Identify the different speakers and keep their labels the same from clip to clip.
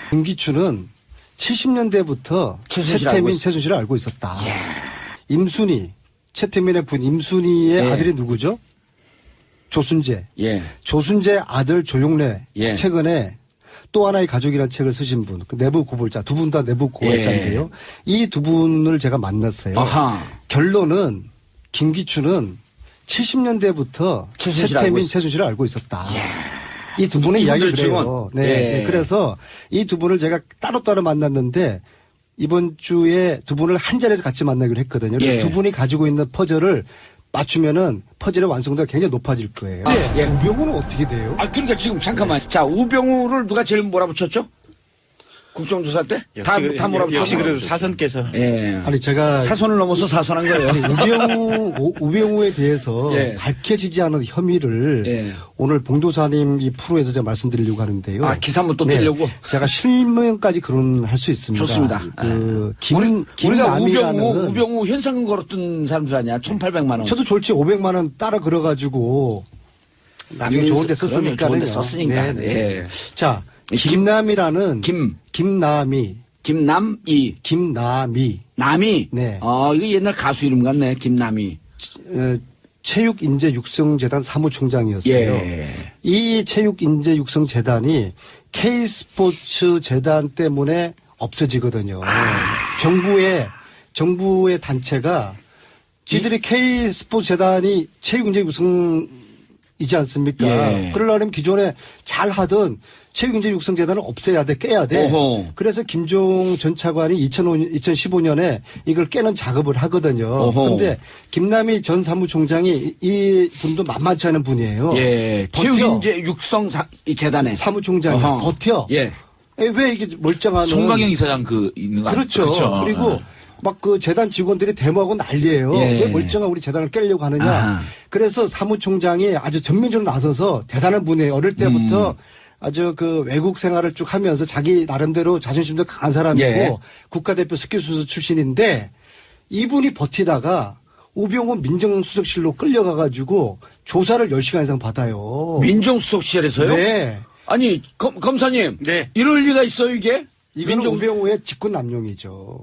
Speaker 1: 김기춘은 70년대부터 최태민, 최순실을 알고 있었다.
Speaker 2: 예.
Speaker 1: 임순희, 최태민의 부인 임순희의
Speaker 2: 예.
Speaker 1: 아들이 누구죠? 조순재.
Speaker 2: 예.
Speaker 1: 조순재 아들 조용래.
Speaker 2: 예.
Speaker 1: 최근에 또 하나의 가족이라는 책을 쓰신 분, 그 내부 고발자, 두 분 다 내부 고발자인데요. 이 두 분을 제가 만났어요.
Speaker 2: 아하.
Speaker 1: 결론은 김기춘은 70년대부터 최태민, 최순실을 알고 있었다. 이 두 분의 이야기를 그래요. 네. 네. 그래서 이 두 분을 제가 따로따로 만났는데 이번 주에 두 분을 한 자리에서 같이 만나기로 했거든요.
Speaker 2: 예.
Speaker 1: 두 분이 가지고 있는 퍼즐을 맞추면은 퍼즐의 완성도가 굉장히 높아질 거예요.
Speaker 2: 예.
Speaker 1: 우병우는 어떻게 돼요?
Speaker 2: 아, 그러니까 지금 잠깐만. 자, 우병우를 누가 제일 몰아붙였죠? 국정조사 때? 다 몰아붙였죠.
Speaker 3: 역시 그래도 사선께서.
Speaker 2: 예.
Speaker 1: 아니 제가
Speaker 2: 사선을 넘어서 사선한 거예요.
Speaker 1: 아니, 우병우에 대해서
Speaker 2: 예.
Speaker 1: 밝혀지지 않은 혐의를
Speaker 2: 예.
Speaker 1: 오늘 봉도사님 이 프로에서 제가 말씀드리려고 하는데요.
Speaker 2: 아, 기사 한번 또 뜨려고?
Speaker 1: 제가 실명까지 거론할 수 있습니다.
Speaker 2: 좋습니다. 우리가 우병우 현상금 걸었던 사람들 아니야? 1,800만 원.
Speaker 1: 저도 졸지 500만 원 따라 걸어가지고 나중에 좋은 데 썼으니까.
Speaker 2: 좋은 데 썼으니까. 네.
Speaker 1: 자, 김남이라는 김남이.
Speaker 2: 남이.
Speaker 1: 네.
Speaker 2: 이거 옛날 가수 이름 같네. 김남이.
Speaker 1: 체육인재육성재단 사무총장이었어요.
Speaker 2: 예.
Speaker 1: 이 체육인재육성재단이 K스포츠 재단 때문에 없어지거든요. 정부의 단체가 지들이 K스포츠 재단이 체육인재육성이지 않습니까?
Speaker 2: 예.
Speaker 1: 그러려면 기존에 잘 하던 체육인재육성재단을 없애야 돼, 깨야 돼.
Speaker 2: 어허.
Speaker 1: 그래서 김종 전 차관이 2015년에 이걸 깨는 작업을 하거든요. 그런데 김남희 전 사무총장이 이 분도 만만치 않은 분이에요.
Speaker 2: 예. 체육인재육성재단에
Speaker 1: 사무총장이 버텨.
Speaker 2: 예.
Speaker 1: 왜 이게 멀쩡한
Speaker 4: 송강영 이사장 있는 거
Speaker 1: 그렇죠.
Speaker 4: 그렇죠.
Speaker 1: 그리고 막 그 재단 직원들이 데모하고 난리예요.
Speaker 2: 예.
Speaker 1: 왜 멀쩡한 우리 재단을 깨려고 하느냐.
Speaker 2: 아하.
Speaker 1: 그래서 사무총장이 아주 전면적으로 나서서 대단한 분이에요. 어릴 때부터 아주 그 외국 생활을 쭉 하면서 자기 나름대로 자존심도 강한 사람이고
Speaker 2: 예.
Speaker 1: 국가대표 스키선수 출신인데 이분이 버티다가 우병우 민정수석실로 끌려가가지고 조사를 10시간 이상 받아요.
Speaker 2: 민정수석실에서요?
Speaker 1: 네.
Speaker 2: 아니, 검사님.
Speaker 3: 네.
Speaker 2: 이럴 리가 있어요, 이게?
Speaker 1: 이건 우병우의 직권 남용이죠.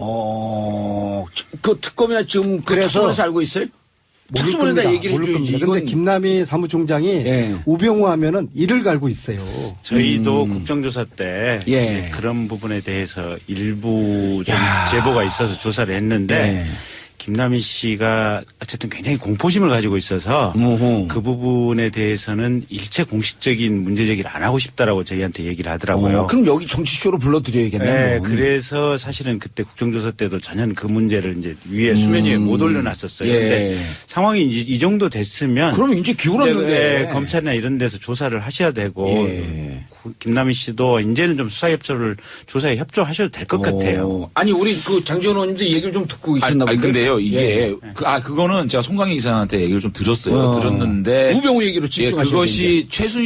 Speaker 2: 그 특검이나 지금 그
Speaker 1: 그래서
Speaker 2: 특수본에서 알고 있어요? 특수본에다 얘기를 해줘야지.
Speaker 1: 그런데 김남희 사무총장이
Speaker 2: 예.
Speaker 1: 우병우 하면은 이를 갈고 있어요.
Speaker 3: 저희도 국정조사 때
Speaker 2: 예.
Speaker 3: 이제 그런 부분에 대해서 일부 좀 제보가 있어서 조사를 했는데
Speaker 2: 예.
Speaker 3: 김남희 씨가 어쨌든 굉장히 공포심을 가지고 있어서 그 부분에 대해서는 일체 공식적인 문제 제기를 안 하고 싶다라고 저희한테 얘기를 하더라고요.
Speaker 2: 그럼 여기 정치쇼로 불러드려야겠네요.
Speaker 3: 네, 그래서 사실은 그때 국정조사 때도 전혀 그 문제를 이제 위에 수면 위에 못 올려놨었어요.
Speaker 2: 예.
Speaker 3: 근데 상황이 이제 이 정도 됐으면
Speaker 2: 그럼 이제 기울었는데.
Speaker 3: 검찰이나 이런 데서 조사를 하셔야 되고
Speaker 2: 예.
Speaker 3: 김남희 씨도 이제는 좀 조사에 협조하셔도 될 것 같아요.
Speaker 2: 아니 우리 그 장지원 의원님도 얘기를 좀 듣고 계셨나
Speaker 4: 아니
Speaker 2: 본데.
Speaker 4: 근데요 이게
Speaker 2: 예.
Speaker 4: 그거는 제가 송강희 이사한테 얘기를 좀 들었어요. 들었는데
Speaker 2: 우병우 얘기로 집중하시는
Speaker 4: 그것이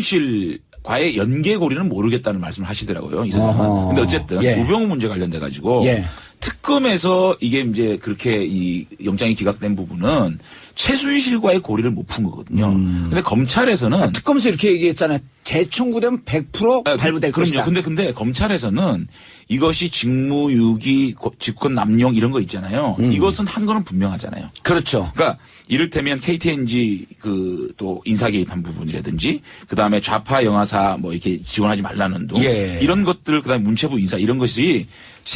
Speaker 4: 최순실과의 연계고리는 모르겠다는 말씀을 하시더라고요. 이사장은. 근데 어쨌든
Speaker 2: 예.
Speaker 4: 우병우 문제 관련돼 가지고
Speaker 2: 예.
Speaker 4: 특검에서 이게 이제 그렇게 이 영장이 기각된 부분은 최순실과의 고리를 못 푼 거거든요. 근데 검찰에서는
Speaker 2: 특검에서 이렇게 얘기했잖아요. 재청구되면 100% 발부될 것이다.
Speaker 4: 그럼요. 근데 검찰에서는 이것이 직무유기, 직권 남용 이런 거 있잖아요. 이것은 한 거는 분명하잖아요.
Speaker 2: 그렇죠.
Speaker 4: 그러니까 이를테면 KTNG 또 인사 개입한 부분이라든지 그다음에 좌파 영화사 뭐 이렇게 지원하지 말라는 둥
Speaker 2: 예.
Speaker 4: 이런 것들 그다음에 문체부 인사 이런 것이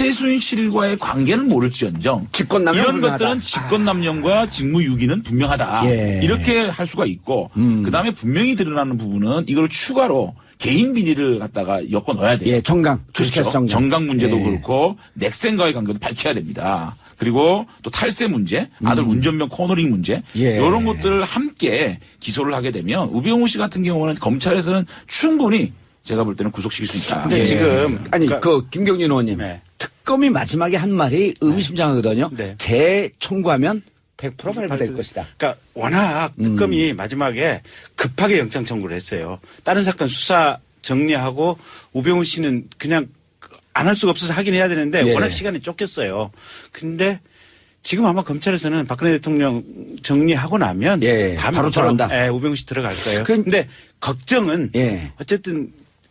Speaker 4: 최순실과의 관계는 모를지언정
Speaker 2: 직권남용
Speaker 4: 이런
Speaker 2: 분명하다.
Speaker 4: 것들은 직권남용과 직무유기는 분명하다.
Speaker 2: 예.
Speaker 4: 이렇게 할 수가 있고 그다음에 분명히 드러나는 부분은 이걸 추가로 개인 비리를 갖다가 엮어 넣어야 돼요.
Speaker 2: 예, 정강, 주식회사
Speaker 4: 그렇죠. 정강 문제도
Speaker 2: 예.
Speaker 4: 그렇고 넥센과의 관계도 밝혀야 됩니다. 그리고 또 탈세 문제, 아들 운전병 코너링 문제
Speaker 2: 예.
Speaker 4: 이런 것들을 함께 기소를 하게 되면 우병우 씨 같은 경우는 검찰에서는 충분히 제가 볼 때는 구속시킬 수 있다.
Speaker 3: 근데
Speaker 4: 예.
Speaker 3: 지금
Speaker 2: 아니
Speaker 3: 그러니까
Speaker 2: 김경진 의원님
Speaker 3: 네.
Speaker 2: 특검이 마지막에 한 말이 의미심장하거든요.
Speaker 3: 네.
Speaker 2: 재청구하면 100% 발부될 것이다.
Speaker 3: 그러니까 워낙 특검이 마지막에 급하게 영장 청구를 했어요. 다른 사건 수사 정리하고 우병우 씨는 그냥 안 할 수가 없어서 하긴 해야 되는데
Speaker 2: 예.
Speaker 3: 워낙 시간이 쫓겼어요. 근데 지금 아마 검찰에서는 박근혜 대통령 정리하고 나면
Speaker 2: 예, 바로 들어간다.
Speaker 3: 우병우 씨 들어갈 거예요.
Speaker 2: 근데
Speaker 3: 근데 걱정은
Speaker 2: 예.
Speaker 3: 어쨌든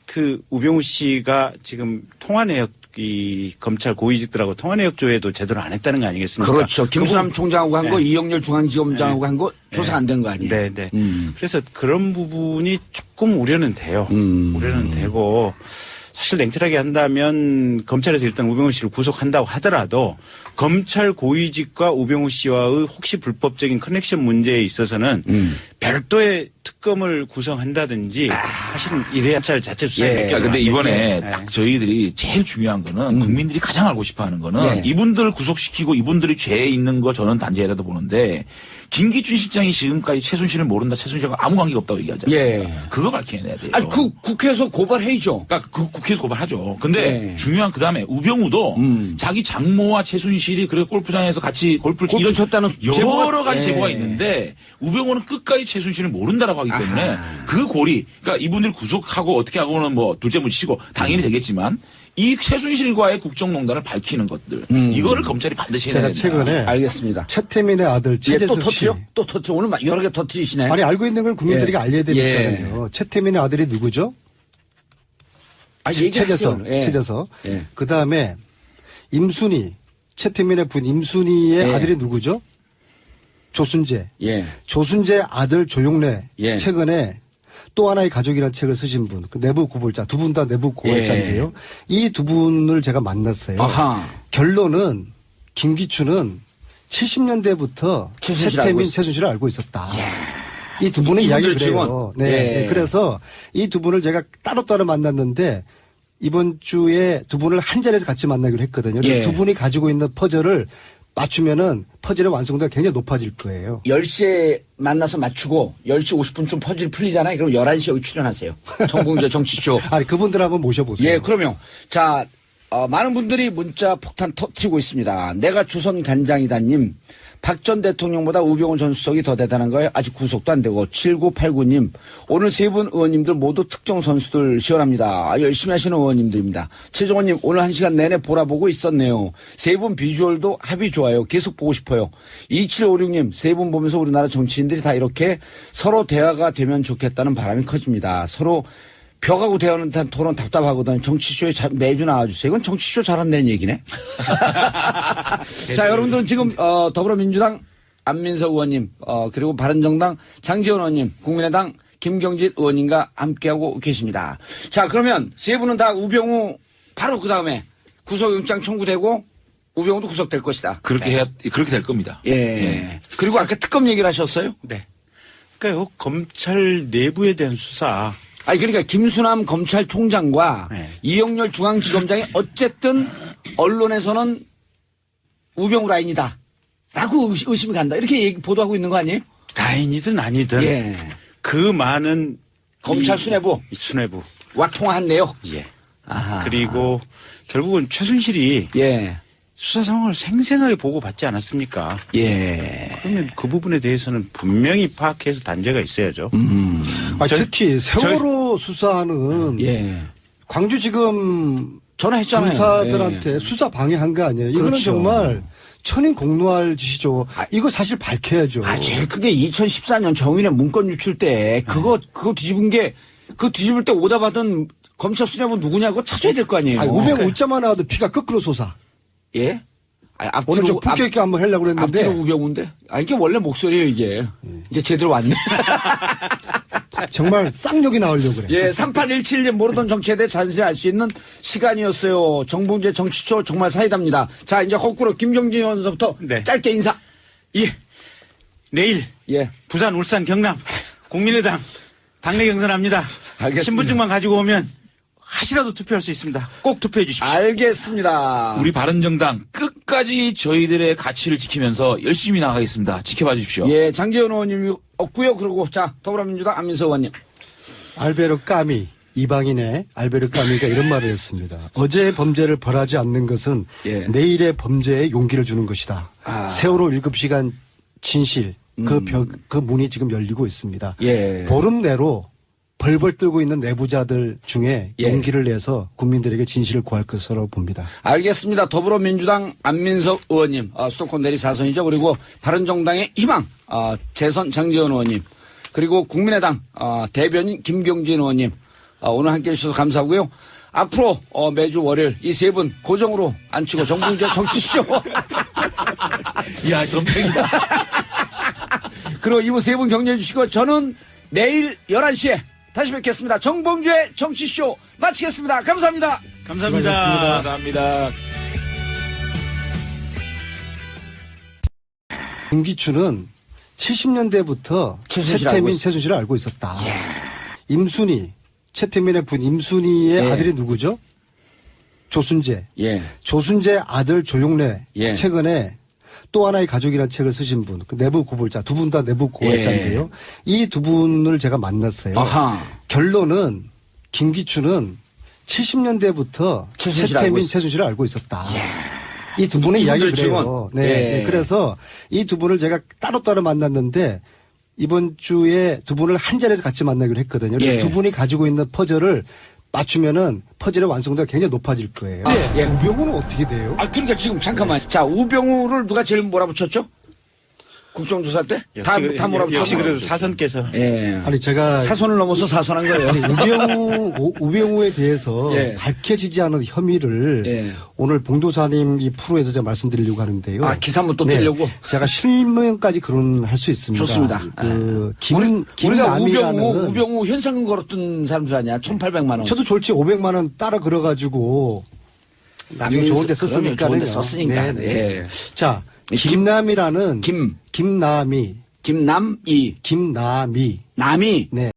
Speaker 3: 그 우병우 씨가 지금 통화내역 이 검찰 고위직들하고 통화내역 조회도 제대로 안 했다는 거 아니겠습니까?
Speaker 2: 그렇죠. 김수남 총장하고 한 거,
Speaker 3: 네.
Speaker 2: 이영렬 중앙지검장하고 한 거 조사 안 된 거 아니에요?
Speaker 3: 네, 네. 그래서 그런 부분이 조금 우려는 돼요. 우려는 되고 사실 냉철하게 한다면 검찰에서 일단 우병우 씨를 구속한다고 하더라도 검찰 고위직과 우병우 씨와의 혹시 불법적인 커넥션 문제에 있어서는 별도의 특검을 구성한다든지 사실은 이래야 잘 자체 수사에
Speaker 4: 예. 근데 이번에 딱 저희들이 제일 중요한 거는 국민들이 가장 알고 싶어 하는 거는 이분들 구속시키고 이분들이 죄에 있는 거 저는 단죄라도 보는데 김기춘 실장이 지금까지 최순실을 모른다. 최순실과 아무 관계가 없다고 얘기하잖아요.
Speaker 2: 예.
Speaker 4: 그거 밝혀내야 돼요.
Speaker 2: 아니, 그 국회에서 고발해야죠.
Speaker 4: 그러니까 그 국회에서 고발하죠. 근데 중요한 그다음에 우병우도 자기 장모와 최순실이 그래 골프장에서 같이 골프를
Speaker 2: 골프 쳤다는
Speaker 4: 여러 가지 제보가 있는데 우병우는 끝까지 최순실을 모른다라고 하기 때문에 그 고리 그러니까 이분들 구속하고 어떻게 하고는 뭐 둘째 문치고 당연히 되겠지만 이 최순실과의 국정농단을 밝히는 것들 이거를 검찰이 반드시 해야
Speaker 1: 제가
Speaker 4: 된다.
Speaker 1: 최근에
Speaker 2: 알겠습니다.
Speaker 1: 최태민의 아들 최재석 씨.
Speaker 2: 또 터트려? 오늘 여러 개 터트리시네.
Speaker 1: 아니 알고 있는 걸 국민들이
Speaker 2: 예.
Speaker 1: 알려야 되니까요. 최태민의 아들이 누구죠?
Speaker 2: 얘기하세요.
Speaker 1: 최재석.
Speaker 2: 예.
Speaker 1: 그 다음에 임순희, 최태민의 분 임순희의
Speaker 2: 예.
Speaker 1: 아들이 누구죠? 조순재.
Speaker 2: 예.
Speaker 1: 조순재 아들 조용래.
Speaker 2: 예.
Speaker 1: 최근에 또 하나의 가족이라는 책을 쓰신 분, 그 내부 고발자, 두 분 다 내부 고발자인데요. 이 두 분을 제가 만났어요.
Speaker 2: 아하.
Speaker 1: 결론은 김기춘은 70년대부터 최태민, 최순실을 알고 있었다. 이 두 분의 이야기를 그래요. 네.
Speaker 2: 예.
Speaker 1: 네. 그래서 이 두 분을 제가 따로따로 만났는데 이번 주에 두 분을 한 자리에서 같이 만나기로 했거든요.
Speaker 2: 예.
Speaker 1: 두 분이 가지고 있는 퍼즐을 맞추면은 퍼즐의 완성도가 굉장히 높아질 거예요.
Speaker 2: 10시에 만나서 맞추고 10시 50분쯤 퍼즐 풀리잖아요. 그럼 11시에 여기 출연하세요. 정봉재 정치쇼.
Speaker 1: 아니, 그분들 한번 모셔보세요.
Speaker 2: 예, 그러면. 자, 많은 분들이 문자 폭탄 터트리고 있습니다. 내가 조선 간장이다님. 박 전 대통령보다 우병우 전 수석이 더 대단한 거예요. 아직 구속도 안 되고. 7989님. 오늘 세 분 의원님들 모두 특정 선수들 시원합니다. 열심히 하시는 의원님들입니다. 최종원님 오늘 1시간 내내 보라보고 있었네요. 세 분 비주얼도 합이 좋아요. 계속 보고 싶어요. 2756님 세 분 보면서 우리나라 정치인들이 다 이렇게 서로 대화가 되면 좋겠다는 바람이 커집니다. 서로 벽하고 대화는 토론 답답하거든. 정치쇼에 매주 나와주세요. 이건 정치쇼 잘한다는 얘기네. 자, 여러분들은 지금 더불어민주당 안민석 의원님, 그리고 바른정당 장지원 의원님, 국민의당 김경진 의원님과 함께하고 계십니다. 자, 그러면 세 분은 다 우병우 바로 그 다음에 구속영장 청구되고 우병우도 구속될 것이다.
Speaker 4: 그렇게 될 겁니다.
Speaker 2: 예. 그리고 아까 특검 얘기를 하셨어요?
Speaker 3: 네. 그러니까 검찰 내부에 대한 수사.
Speaker 2: 아니 그러니까 김수남 검찰총장과
Speaker 3: 네.
Speaker 2: 이영렬 중앙지검장이 어쨌든 언론에서는 우병우 라인이다 라고 의심이 간다 이렇게 보도하고 있는 거 아니에요?
Speaker 3: 라인이든 아니든
Speaker 2: 예.
Speaker 3: 그 많은
Speaker 2: 검찰 수뇌부
Speaker 3: 수뇌부와
Speaker 2: 통화한 내역.
Speaker 3: 예.
Speaker 2: 아하.
Speaker 3: 그리고 결국은 최순실이
Speaker 2: 예.
Speaker 3: 수사 상황을 생생하게 보고받지 않았습니까?
Speaker 2: 예.
Speaker 3: 그러면 그 부분에 대해서는 분명히 파악해서 단죄가 있어야죠.
Speaker 1: 특히 세월호 수사는
Speaker 2: 예.
Speaker 1: 광주지검
Speaker 2: 전화했잖아요.
Speaker 1: 검사들한테
Speaker 2: 예.
Speaker 1: 수사 방해한 거 아니에요. 이거는
Speaker 2: 그렇죠.
Speaker 1: 정말 천인공노할 짓이죠. 이거 사실 밝혀야죠.
Speaker 2: 제일 크게 2014년 정윤의 문건 유출 때 그거 뒤집은 게 그 뒤집을 때 오다 받은 검찰 수뇌부 누구냐고 찾아야 될 거 아니에요.
Speaker 1: 아니, 우병우 웃자만 나와도 피가 거꾸로 솟아.
Speaker 2: 예?
Speaker 1: 오늘 좀 품격 있게 한번 하려고 그랬는데.
Speaker 2: 앞뒤로 우병우인데? 이게 원래 목소리예요, 이게. 이제 제대로 왔네.
Speaker 1: 정말 쌍욕이 나오려고 그래.
Speaker 2: 예, 3817님 모르던 정치에 대해 자세히 알 수 있는 시간이었어요. 정봉재 정치쇼 정말 사이다입니다. 자, 이제 거꾸로 김경진 의원서부터
Speaker 3: 네.
Speaker 2: 짧게 인사.
Speaker 3: 예. 내일
Speaker 2: 예.
Speaker 3: 부산, 울산, 경남 국민의당 당내 경선합니다.
Speaker 2: 알겠습니다.
Speaker 3: 신분증만 가지고 오면 하시라도 투표할 수 있습니다. 꼭 투표해 주십시오.
Speaker 2: 알겠습니다.
Speaker 4: 우리 바른정당 끝까지 저희들의 가치를 지키면서 열심히 나가겠습니다. 지켜봐 주십시오.
Speaker 2: 예, 장재현 의원님이 없고요. 그리고 자, 더불어민주당 안민석 의원님.
Speaker 1: 알베르 까미, 이방인의 알베르 까미가 이런 말을 했습니다. 어제의 범죄를 벌하지 않는 것은
Speaker 2: 예.
Speaker 1: 내일의 범죄에 용기를 주는 것이다. 세월호 7시간 진실, 그 문이 지금 열리고 있습니다.
Speaker 2: 예.
Speaker 1: 보름 내로 벌벌 떨고 있는 내부자들 중에
Speaker 2: 예.
Speaker 1: 용기를 내서 국민들에게 진실을 구할 것으로 봅니다.
Speaker 2: 알겠습니다. 더불어민주당 안민석 의원님, 수도권 내리 4선이죠. 그리고 바른정당의 희망, 재선 장재현 의원님. 그리고 국민의당 대변인 김경진 의원님. 오늘 함께 해주셔서 감사하고요. 앞으로 매주 월요일 이 세 분 고정으로 앉히고 정봉주의 정치쇼.
Speaker 4: 야, 덤탱이다.
Speaker 2: 그리고 이분 세 분 격려해 주시고 저는 내일 11시에 다시 뵙겠습니다. 정봉주의 정치쇼 마치겠습니다. 감사합니다.
Speaker 3: 감사합니다.
Speaker 4: 감사합니다.
Speaker 1: 김기춘은 70년대부터
Speaker 2: 최순실을 알고
Speaker 1: 최순실을 알고 있었다. 임순희, 최태민의 부인 임순희의
Speaker 2: 예.
Speaker 1: 아들이 누구죠? 조순재.
Speaker 2: 예.
Speaker 1: 조순재 아들 조용래.
Speaker 2: 예.
Speaker 1: 최근에 또 하나의 가족이라는 책을 쓰신 분, 그 내부 고발자, 두 분 다 내부 고발자인데요. 이 두 분을 제가 만났어요.
Speaker 2: 아하.
Speaker 1: 결론은 김기춘은 70년대부터 최순실을 알고 있었다. 이 두 분의 이야기를
Speaker 2: 이분들
Speaker 1: 그래요.
Speaker 2: 증언.
Speaker 1: 네.
Speaker 2: 예.
Speaker 1: 네. 그래서 이 두 분을 제가 따로따로 만났는데 이번 주에 두 분을 한 자리에서 같이 만나기로 했거든요.
Speaker 2: 예.
Speaker 1: 두 분이 가지고 있는 퍼즐을 맞추면은 퍼즐의 완성도가 굉장히 높아질 거예요.
Speaker 2: 예.
Speaker 1: 우병우는 어떻게 돼요?
Speaker 2: 그러니까 지금 잠깐만. 자, 우병우를 누가 제일 몰아붙였죠? 국정조사 때? 다 몰아붙였죠.
Speaker 3: 역시 그래도 사선께서.
Speaker 2: 예.
Speaker 1: 아니 제가
Speaker 2: 사선을 넘어서 사선한 거예요.
Speaker 1: 아니, 우병우에 대해서
Speaker 2: 예.
Speaker 1: 밝혀지지 않은 혐의를
Speaker 2: 예.
Speaker 1: 오늘 봉도사님 이 프로에서 제가 말씀드리려고 하는데요.
Speaker 2: 기사 한번 또 띄려고?
Speaker 1: 제가 실명까지 거론할 수 있습니다.
Speaker 2: 좋습니다. 우리가 우병우 현상금 걸었던 사람들 아니야? 1,800만 원.
Speaker 1: 저도 졸지 500만 원 따라 걸어가지고 나중에 좋은 데 썼으니까.
Speaker 2: 좋은 데 썼으니까.
Speaker 1: 네.
Speaker 2: 예.
Speaker 1: 자, 김남이라는
Speaker 2: 김남이.
Speaker 1: 김남이.
Speaker 2: 남이.
Speaker 1: 네.